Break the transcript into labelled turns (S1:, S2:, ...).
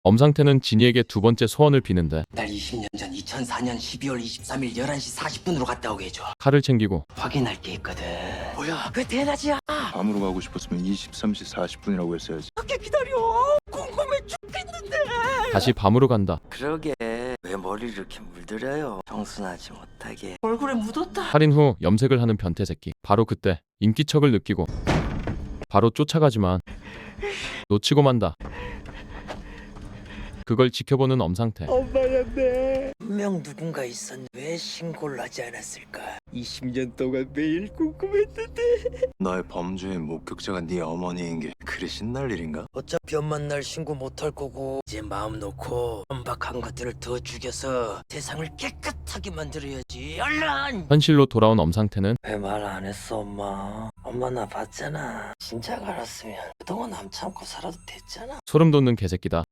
S1: 엄상태는 진이에게 두 번째 소원을 비는데
S2: 날 20년 전 2004년 12월 23일 11시 40분으로 갔다 오게 해줘.
S1: 칼을 챙기고
S2: 확인할 게 있거든. 뭐야? 그 대낮이야.
S3: 밤으로 가고 싶었으면 23시 40분이라고 했어야지.
S2: 어떻게 기다려? 궁금해 죽겠는데.
S1: 다시 밤으로 간다.
S2: 그러게 왜 머리를 이렇게 물들여요? 청순하지 못하게. 얼굴에 묻었다.
S1: 살인 후 염색을 하는 변태 새끼. 바로 그때 인기척을 느끼고 바로 쫓아가지만 놓치고 만다. 그걸 지켜보는 엄상태.
S2: 엄마였네. 분명 누군가 있었는데 왜 신고를 하지 않았을까? 20년 동안 매일 궁금했는데.
S3: 너의 범죄의 목격자가 네 어머니인 게 그리 신날 일인가?
S2: 어차피 엄만 날 신고 못할 거고 이제 마음 놓고 천박한 것들을 더 죽여서 세상을 깨끗하게 만들어야지. 얼른!
S1: 현실로 돌아온 엄상태는
S2: 왜 말 안 했어 엄마? 엄마 나 봤잖아. 진작 알았으면 그동안 남 참고 살아도 됐잖아.
S1: 소름 돋는 개새끼다.